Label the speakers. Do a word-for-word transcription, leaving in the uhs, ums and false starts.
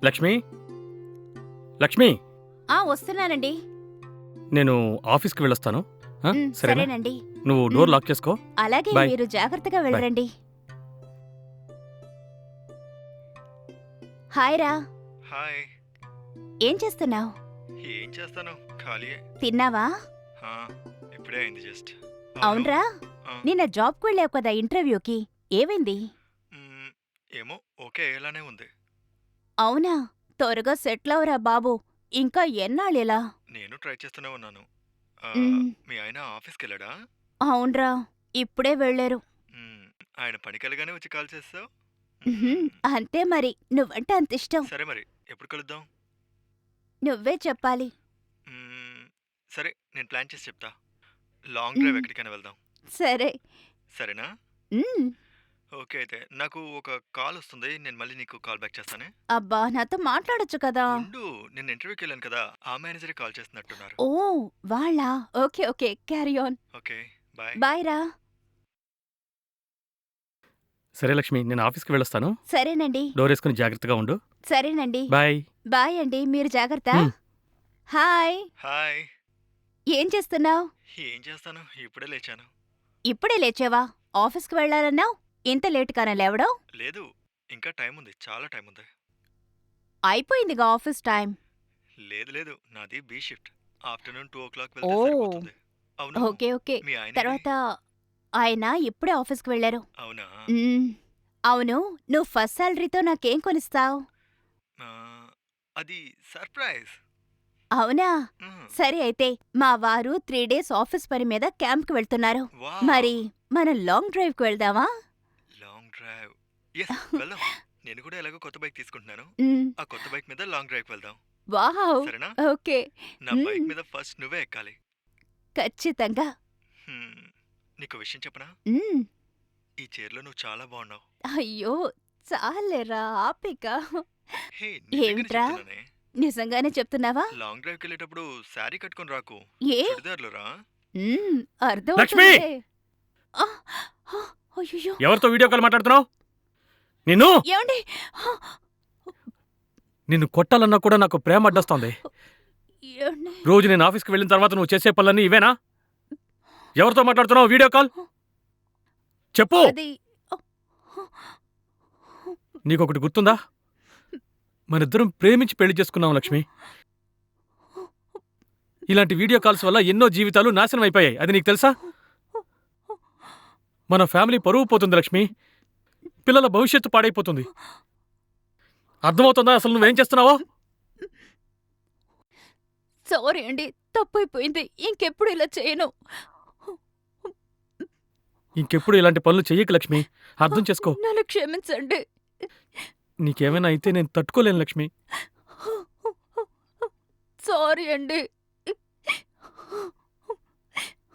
Speaker 1: లక్ష్మి లక్ష్మి
Speaker 2: ఆ వస్తున్నానండి.
Speaker 1: నేను ఆఫీస్కి వెళ్ళొస్తాను ఆ,
Speaker 2: ఉమ్,
Speaker 1: సరేనా
Speaker 2: సరేనండి.
Speaker 1: నువ్వు డోర్
Speaker 2: ఉమ్.
Speaker 1: లాక్ చేసుకో.
Speaker 2: అలాగే
Speaker 1: బాయ్.
Speaker 2: మీరు జాగ్రత్తగా వెళ్ళరండి. హాయ్ రా.
Speaker 3: హాయ్.
Speaker 2: ఏం చేస్తున్నావు?
Speaker 3: ఏం చేస్తాను, ఖాళీయే.
Speaker 2: తిన్నావా?
Speaker 3: ఆ, ఇప్పుడే అయింది జస్ట్.
Speaker 2: అవునరా, నిన్న జాబ్కి వెళ్ళావు కదా ఇంటర్వ్యూకి, ఏమైంది?
Speaker 3: ఏమో, ఓకే ఇలానే ఉంది.
Speaker 2: అవునా, త్వరగా సెటిల్ అవరా బాబు. ఇంకా ఎన్నాళ్ళిలా?
Speaker 3: నేను ట్రై చేస్తూనే ఉన్నాను. ఆ,
Speaker 2: ఉమ్,
Speaker 3: మీ ఆయన ఆఫీస్కి వెళ్ళాడా?
Speaker 2: అవునరా, ఇప్పుడే వెళ్ళారు.
Speaker 3: మ్మ్, ఆయన పనికి వెళ్ళగానే వచ్చి కాల్ చేస్తావు.
Speaker 2: ఉహుం, అంతే మరి, నువ్వంటే అంత ఇష్టం.
Speaker 3: సరే మరి, ఎప్పుడు కలుద్దాం?
Speaker 2: నువ్వే చెప్పాలి.
Speaker 3: మ్మ్, సరే, నేను ప్లాన్ చేసి చెప్తా. లాంగ్ డ్రైవ్
Speaker 2: ఉమ్,
Speaker 3: ఎక్కడికైనా వెళ్దాం.
Speaker 2: సరే.
Speaker 3: సరేనా?
Speaker 2: ఉమ్,
Speaker 3: ఓకే అయితే నాకు ఒక కాల్ వస్తుంది, నేను మళ్ళీ నీకు కాల్ బ్యాక్ చేస్తానే.
Speaker 2: అబ్బా నాతో మాట్లాడొచ్చు కదా.
Speaker 3: ఉండు, నేను ఇంటర్వ్యూకి వెళ్ళాను కదా, ఆ మేనేజరే కాల్ చేస్తున్నట్టున్నారు.
Speaker 2: ఓ వాళ్ళా? Okay okay, carry on.
Speaker 3: Okay, bye.
Speaker 2: Bye రా.
Speaker 1: సరే లక్ష్మి, నేను ఆఫీస్కి వెళ్ళొస్తాను.
Speaker 2: సరేనండి.
Speaker 1: డోర్ వేసుకుని జాగ్రత్తగా ఉండు.
Speaker 2: సరేనండి.
Speaker 1: బాయ్.
Speaker 2: బాయ్ అండి, మీరు జాగ్రత్త.
Speaker 1: ఉమ్.
Speaker 2: హాయ్.
Speaker 3: హాయ్.
Speaker 2: ఏం చేస్తున్నావు?
Speaker 3: ఏం చేస్తాను, ఇప్పుడే లేచాను.
Speaker 2: ఇప్పుడే లేచావా? ఆఫీస్కి వెళ్ళాలన్నావు, ఇంత లేటుగానే లేవడం?
Speaker 3: లేదు, ఇంకా టైం ఉంది, చాలా టైం ఉంది.
Speaker 2: అయిపోయిందిగా ఆఫీస్ టైం.
Speaker 3: లేదు లేదు, నాది B shift. Afternoon two o'clock వెళ్తే
Speaker 2: ఓ
Speaker 3: సరిపోతుంది. అవును,
Speaker 2: ఓకే ఓకే.
Speaker 3: మీ ఆయన
Speaker 2: తర్వాత ఆయన ఇప్పుడే ఆఫీస్కి వెళ్ళారు.
Speaker 3: అవునా?
Speaker 2: మ్మ్. అవును, నువ్వు ఫస్ట్ శాలరీతో నాకేం కొనిస్తావు?
Speaker 3: ఆ, అది సర్ప్రైజ్.
Speaker 2: అవునా?
Speaker 3: మ్మ్.
Speaker 2: సరే అయితే, మా వారు త్రీ డేస్ ఆఫీస్ పని మీద క్యాంప్కి వెళ్తున్నారు.
Speaker 3: వావ్.
Speaker 2: మరి మనం లాంగ్ డ్రైవ్కి వెళ్దామా?
Speaker 3: Long drive. ఎస్, వెళ్దాం. నేను కూడా ఎలాగో కొత్త బైక్ తీసుకుంటున్నాను.
Speaker 2: మ్మ్.
Speaker 3: ఆ కొత్త బైక్ మీద లాంగ్ డ్రైవ్ వెళ్దాం.
Speaker 2: వావ్.
Speaker 3: సరేనా?
Speaker 2: ఓకే.
Speaker 3: నా బైక్
Speaker 2: మ్మ్.
Speaker 3: మీద ఫస్ట్ నువ్వే ఎక్కాలి.
Speaker 2: ఖచ్చితంగా.
Speaker 3: హ్మ్, నీకు విషయం చెప్పనా?
Speaker 2: మ్మ్.
Speaker 3: ఈ చీరలో నువ్వు చాలా బాగున్నావు.
Speaker 2: అయ్యో, చాలేరా ఆపిక.
Speaker 3: హే, నిజంగానే
Speaker 2: ఏమిట్రా?
Speaker 3: చెప్తున్నానే.
Speaker 2: నిజంగానే చెప్తున్నావా?
Speaker 3: లాంగ్ డ్రైవ్కి వెళ్ళేటప్పుడు శారీ కట్టుకొని రాకు,
Speaker 2: ఏ?
Speaker 3: చుడిదార్లు రా.
Speaker 2: మ్మ్, అర్థం
Speaker 1: లక్ష్మి!
Speaker 2: అవుతుందిలే. ఆ, ఆ, అయ్యయ్యో.
Speaker 1: ఎవరితో వీడియో కాల్ మాట్లాడుతున్నావు? నిన్ను
Speaker 2: ఏమండి? ఆ,
Speaker 1: నిన్ను కొట్టాలన్నా కూడా నాకు ప్రేమ అడ్డొస్తోంది.
Speaker 2: ఏమండి?
Speaker 1: రోజు నేను ఆఫీస్కి వెళ్ళిన తర్వాత నువ్వు చేసే పనులన్నీ ఇవేనా? ఎవరితో మాట్లాడుతున్నావు వీడియో కాల్? చెప్పు.
Speaker 2: అది
Speaker 1: నీకొకటి గుర్తుందా? మనిద్దరం ప్రేమించి పెళ్లి చేసుకున్నాం లక్ష్మి. ఇలాంటి వీడియో కాల్స్ వల్ల ఎన్నో జీవితాలు నాశనం అయిపోయాయి. అది నీకు తెలుసా? మన ఫ్యామిలీ పరువు పోతుంది లక్ష్మి. పిల్లల భవిష్యత్తు పాడైపోతుంది. అర్థమవుతుందా అసలు నువ్వేం చేస్తున్నావో?
Speaker 2: సారీ అండి, తప్పైపోయింది. ఇంకెప్పుడు ఇలా చేయను.
Speaker 1: ఇంకెప్పుడు ఇలాంటి పనులు చెయ్యకు లక్ష్మి. అర్థం చేసుకో.
Speaker 2: నన్ను క్షమించండి.
Speaker 1: నీకేమైనా అయితే నేను తట్టుకోలేను లక్ష్మి.
Speaker 2: సారీ అండి.